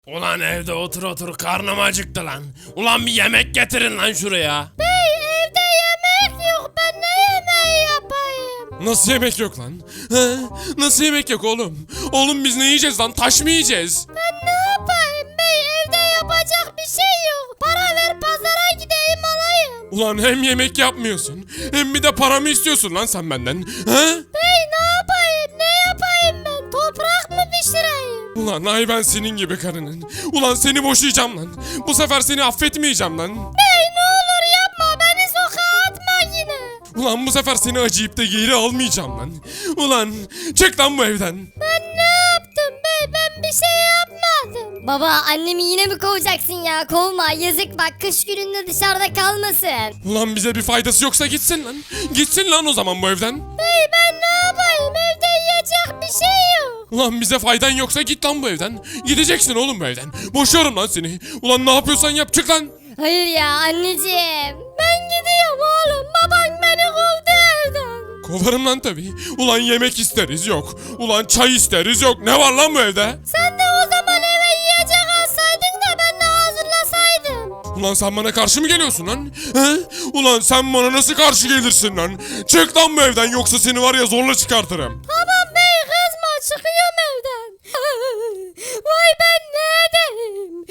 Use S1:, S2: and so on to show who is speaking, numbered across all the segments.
S1: Ulan evde otur otur karnım acıktı lan. Ulan bir yemek getirin lan şuraya.
S2: Bey evde yemek yok, ben ne yemeği yapayım?
S1: Nasıl yemek yok lan? He? Nasıl yemek yok oğlum? Oğlum biz ne yiyeceğiz lan? Taş mı yiyeceğiz?
S2: Ben ne yapayım bey, evde yapacak bir şey yok. Para ver pazara gideyim alayım.
S1: Ulan hem yemek yapmıyorsun hem bir de para mı istiyorsun lan sen benden? He?
S2: Bey ne yapayım, ne yapayım ben? Toprak mı pişireyim?
S1: Ulan ay ben senin gibi karının. Ulan seni boşayacağım lan. Bu sefer seni affetmeyeceğim lan.
S2: Bey ne olur yapma, beni sokağa atma yine.
S1: Ulan bu sefer seni acıyıp da geri almayacağım lan. Ulan çık lan bu evden.
S2: Ben ne yaptım bey, ben bir şey yapmadım. Baba annemi yine mi kovacaksın ya? Kovma, yazık bak, kış gününde dışarıda kalmasın.
S1: Ulan bize bir faydası yoksa gitsin lan. Gitsin lan o zaman bu evden.
S2: Bey ben ne yapayım, evde yiyecek bir şey yok.
S1: Ulan bize faydan yoksa git lan bu evden. Gideceksin oğlum bu evden. Boşuyorum lan seni. Ulan ne yapıyorsan yap çık lan.
S2: Hayır ya anneciğim. Ben gidiyorum oğlum, baban beni kovdu evden.
S1: Kovarım lan tabii. Ulan yemek isteriz yok. Ulan çay isteriz yok. Ne var lan bu evde?
S2: Sen de o zaman eve yiyecek alsaydın da ben de hazırlasaydım.
S1: Ulan sen bana karşı mı geliyorsun lan? He? Ulan sen bana nasıl karşı gelirsin lan? Çık lan bu evden yoksa seni var ya zorla çıkartırım.
S2: Tamam bey kızma, çıkıyorum evden. Vay ben ne edeyim?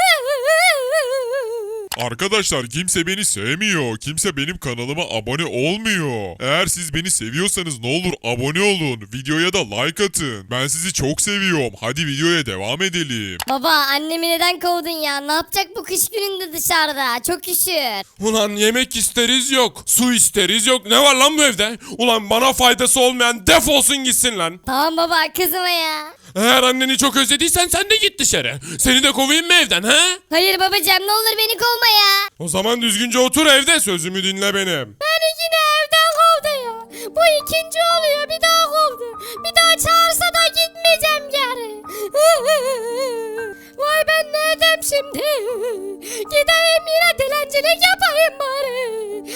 S3: Arkadaşlar kimse beni sevmiyor. Kimse benim kanalıma abone olmuyor. Eğer siz beni seviyorsanız ne olur abone olun. Videoya da like atın. Ben sizi çok seviyorum. Hadi videoya devam edelim.
S2: Baba annemi neden kovdun ya? Ne yapacak bu kış gününde dışarıda? Çok üşür.
S1: Ulan yemek isteriz yok. Su isteriz yok. Ne var lan bu evde? Ulan bana faydası olmayan defolsun gitsin lan.
S2: Tamam baba kızma ya.
S1: Eğer anneni çok özlediysen sen de git dışarı. Seni de kovayım mı evden he?
S2: Hayır babacığım, ne olur beni kovma ya.
S1: O zaman düzgünce otur evde sözümü dinle benim.
S2: Beni yine evden kovdu ya. Bu ikinci oluyor, bir daha kovdu. Bir daha çağırsa da gitmeyeceğim geri. Vay ben ne edeyim şimdi? Gideyim yine dilencilik yapayım bari.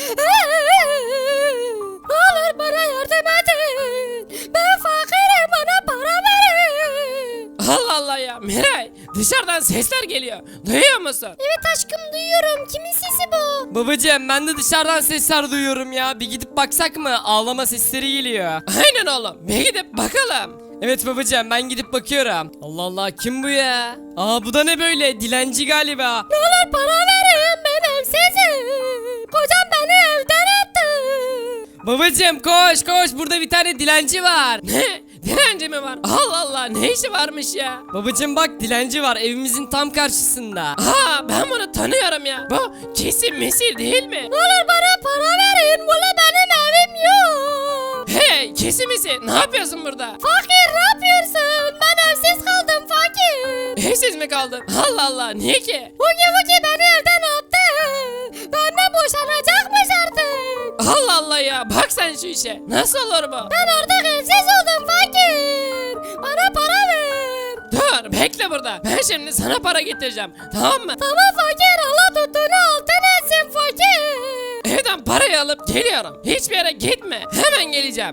S2: Ne olur bana yardım edin. Ben fakirim, bana para verin.
S4: Allah Allah ya Miray, dışarıdan sesler geliyor. Duyuyor musun?
S2: Evet aşkım duyuyorum. Kimin sesi bu?
S4: Babacığım ben de dışarıdan sesler duyuyorum ya. Bir gidip baksak mı? Ağlama sesleri geliyor. Aynen oğlum. Bir gidip bakalım. Evet babacığım ben gidip bakıyorum. Allah Allah kim bu ya? Aa bu da ne böyle? Dilenci galiba.
S2: Ne olur para verin, ben evsizim. Kocam beni evden attı.
S4: Babacığım koş koş, burada bir tane dilenci var. Ne? Dilenci mi var? Allah Allah, ne işi varmış ya? Babacığım bak, dilenci var evimizin tam karşısında. Aa ben bunu tanıyorum ya. Bu kesin Mesir değil mi?
S2: Ne olur bana para verin, burada benim evim yok.
S4: Hey kesin Mesir, ne yapıyorsun burada?
S2: Fakir ne yapıyorsun? Ben evsiz kaldım fakir.
S4: Evsiz mi kaldın? Allah Allah, niye ki?
S2: Hugi beni evden attı. Benden boşanacakmış artık.
S4: Allah Allah ya, bak sen şu işe. Nasıl olur bu?
S2: Ben artık evsiz oldum fakir. Bana para ver.
S4: Dur bekle burada. Ben şimdi sana para getireceğim. Tamam mı?
S2: Tamam fakir, Allah tuttuğunu altın etsin fakir.
S4: Evden parayı alıp geliyorum. Hiçbir yere gitme. Hemen geleceğim.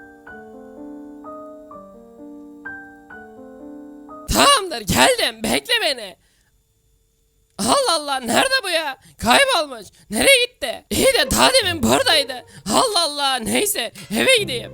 S4: Tamamdır geldim. Bekle beni. Allah Allah, nerede bu ya? Kaybolmuş. Nereye gitti? İyi de daha demin buradaydı. Allah Allah, neyse eve gideyim.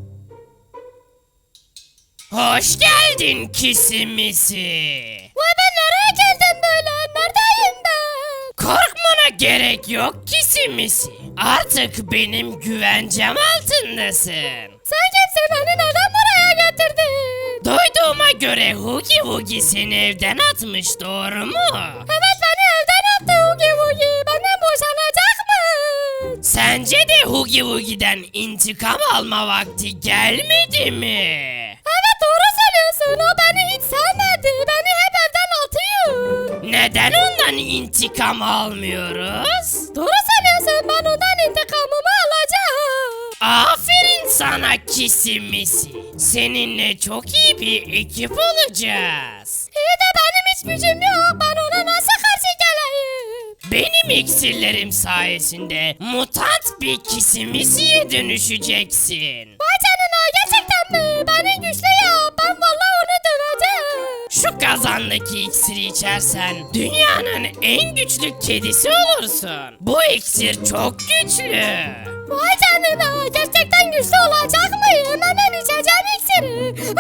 S4: Hoş geldin kisimisi.
S2: Vay ben nereye geldim böyle? Neredeyim ben?
S4: Korkmana gerek yok kisimisi. Artık benim güvencem altındasın.
S2: Sen kimsin, beni neden buraya getirdin?
S4: Duyduğuma göre Hugi Hugi seni evden atmış, doğru mu?
S2: Evet beni evden attı Hugi. Benden boşanacak mı?
S4: Sence de Hugi Hugi'den intikam alma vakti gelmedi mi?
S2: Evet doğru söylüyorsun. O beni hiç sevmedi. Beni hep evden atıyor.
S4: Neden ondan intikam almıyoruz?
S2: Doğru söylüyorsun. Ben ondan intikamımı alacağım.
S4: Aferin sana kisimisi. Seninle çok iyi bir ekip olacağız.
S2: İyi de benim hiç gücüm yok. Ben ona nasıl karşı geleyim?
S4: Benim iksirlerim sayesinde mutant bir kisimisiye dönüşeceksin.
S2: Vay canına, gerçekten mi? Beni güçlü yap. Ben vallahi onu döveceğim.
S4: Şu kazandaki iksiri içersen dünyanın en güçlü kedisi olursun. Bu iksir çok güçlü.
S2: Vay canına, gerçekten güçlü olacak mıyım? Hemen içeceğim iksiri.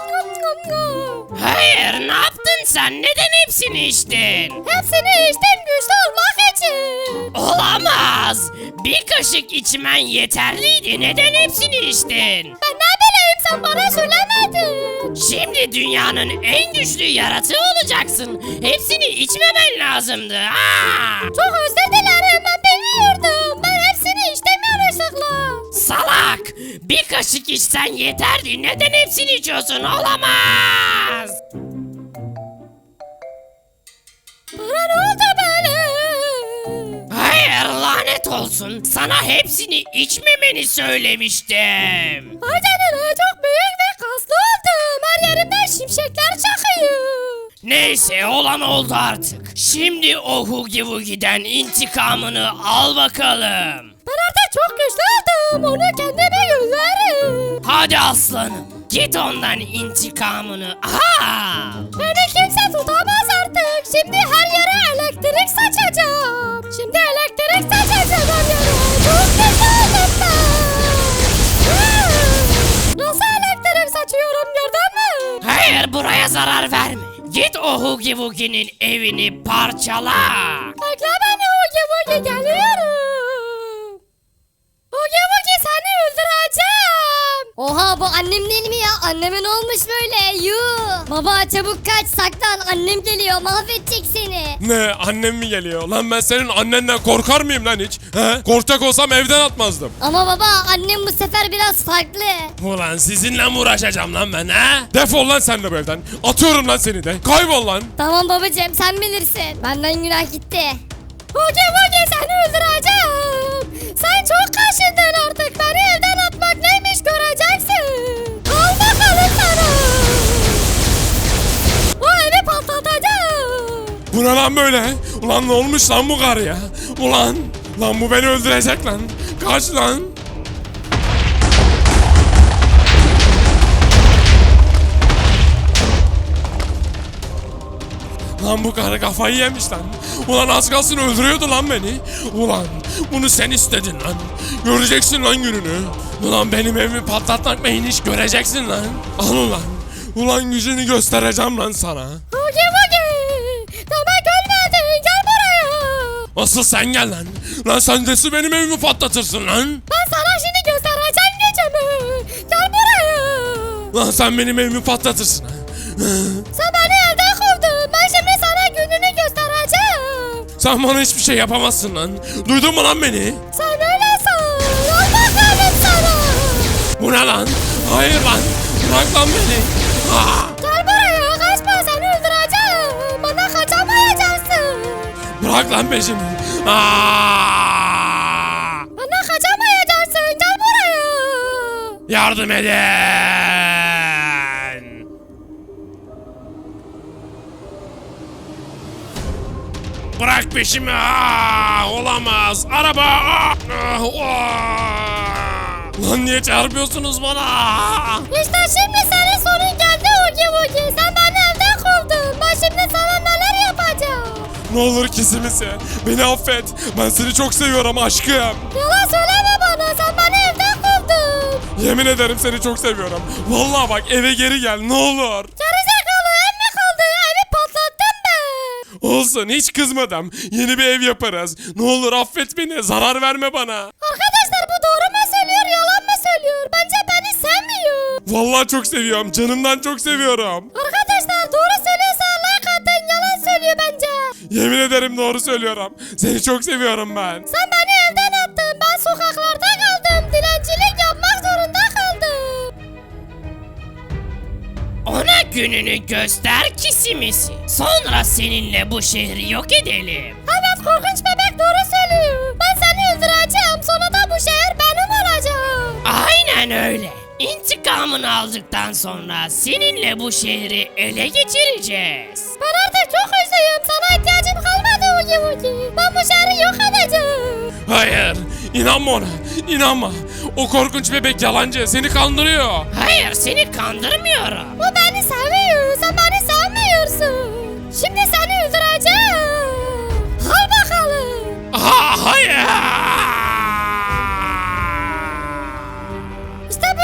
S4: Hayır, ne yaptın sen? Neden hepsini içtin?
S2: Hepsini içtim güçlü olmak için.
S4: Olamaz. Bir kaşık içmen yeterliydi. Neden hepsini içtin?
S2: Ben ne bileyim, sen bana söylemedin.
S4: Şimdi dünyanın en güçlü yaratığı olacaksın. Hepsini içmemen lazımdı. Aa!
S2: Çok özür dilerim, ben bilmiyordum. Ben hepsini içtim yanlışlıkla.
S4: Salak! Bir kaşık içsen yeterdi. Neden hepsini içiyorsun? Olamaz!
S2: Bana ne oldu böyle?
S4: Hayır, lanet olsun. Sana hepsini içmemeni söylemiştim.
S2: Vay canına, çok büyük ve kaslı oldum. Her yerimden şimşekler çakıyor.
S4: Neyse, olan oldu artık. Şimdi o Hugi Wugi'den intikamını al bakalım.
S2: Ben artık çok güçlü oldum. Onu kendime gönderirim.
S4: Hadi aslanım. Git ondan intikamını al.
S2: Beni kimse tutamaz artık. Şimdi her yere elektrik saçacağım. Şimdi elektrik saçacağım her yere. Çok güçlü oldum ben. Nasıl elektrik saçıyorum, gördün mü?
S4: Hayır, buraya zarar verme. Git o Hugi Wugi'nin evini parçala.
S2: Bekle beni Hugi Wugi, geliyorum. Hugi Wugi, seni öldüreceğim. Oha, bu annem değil mi ya? Anneme ne olmuş böyle? Yuh. Baba çabuk kaç, saklan, annem geliyor, mahvedecek seni.
S1: Ne, annem mi geliyor? Lan ben senin annenden korkar mıyım lan hiç? He? Korkacak olsam evden atmazdım.
S2: Ama baba, annem bu sefer biraz farklı.
S1: Ulan sizinle mi uğraşacağım lan ben ha? Defol lan sen de bu evden. Atıyorum lan seni de. Kaybol lan.
S2: Tamam babacığım, sen bilirsin. Benden günah gitti. Hugi Wugi, seni öldüreceğim. Sen çok kaşındın artık. Beni evden atmak neymiş göreceksin. Al bakalım sana. O evi patlatacağım.
S1: Bu ne lan böyle? Ulan ne olmuş lan bu karıya? Ulan. Lan bu beni öldürecek lan. Kaç lan. Lan bu karı kafayı yemiş lan. Ulan az kalsın öldürüyordu lan beni. Ulan bunu sen istedin lan. Göreceksin lan gününü. Ulan benim evimi patlatmak neymiş göreceksin lan. Al ulan. Ulan gücünü göstereceğim lan sana.
S2: Hugi Wugi. Demek ölmedin. Gel buraya.
S1: Asıl sen gel lan. Lan sen de benim evimi patlatırsın lan.
S2: Ben sana şimdi göstereceğim gücümü. Gel buraya.
S1: Lan sen benim evimi patlatırsın ha.
S2: Sen beni evden kovdun. Ben şimdi sana gününü göstereceğim.
S1: Sen bana hiçbir şey yapamazsın lan. Duydun mu lan beni?
S2: Sen öyle san. Al bakalım sana.
S1: Bu ne lan? Hayır lan. Bırak lan beni.
S2: Gel buraya, kaçma, seni öldüreceğim. Bana kaçamayacaksın.
S1: Bırak lan peşimi.
S2: Bana kaçamayacaksın, gel buraya.
S1: Yardım edin. Bırak peşimi. Olamaz. Araba. Lan niye çarpıyorsunuz bana?
S2: İşte şimdi senin sonun geldi Hugi Wugi. Sen beni evden kovdun. Ben şimdi sana neler yapacağım.
S1: Ne olur kesimisi. Beni affet. Ben seni çok seviyorum aşkım.
S2: Yalan söyleme bana, sen beni evden kovdun.
S1: Yemin ederim seni çok seviyorum. Vallahi bak eve geri gel ne olur.
S2: Gerizekalı, ev mi kaldı? Evi patlattım ben.
S1: Olsun hiç kızmadım. Yeni bir ev yaparız. Ne olur affet beni. Zarar verme bana.
S2: Arkadaşlar, bu doğru mu söylüyor, yalan mı söylüyor? Bence beni sevmiyor.
S1: Vallahi çok seviyorum. Canımdan çok seviyorum.
S2: Arkadaşlar, doğru söylüyorsa like atın, yalan söylüyor bence.
S1: Yemin ederim doğru söylüyorum. Seni çok seviyorum ben.
S2: Sen beni evden attın. Ben sokaklarda kaldım. Dilencilik yapmak zorunda kaldım.
S4: Ona gününü göster kisimisi. Sonra seninle bu şehri yok edelim.
S2: Evet, korkunç bebek doğru söylüyor. Ben seni öldüreceğim. Sonra da bu şehir benim olacak.
S4: Aynen öyle. İntikamını aldıktan sonra seninle bu şehri ele geçireceğiz.
S2: Ben artık çok üzüldüm. Sana ihtiyacım kalmadı Hugi Wugi. Ben bu şehri yok edeceğim.
S1: Hayır. İnanma ona. İnanma. O korkunç bebek yalancı. Seni kandırıyor.
S4: Hayır, seni kandırmıyorum.
S2: O beni seviyor. Sen beni sevmiyorsun. İşte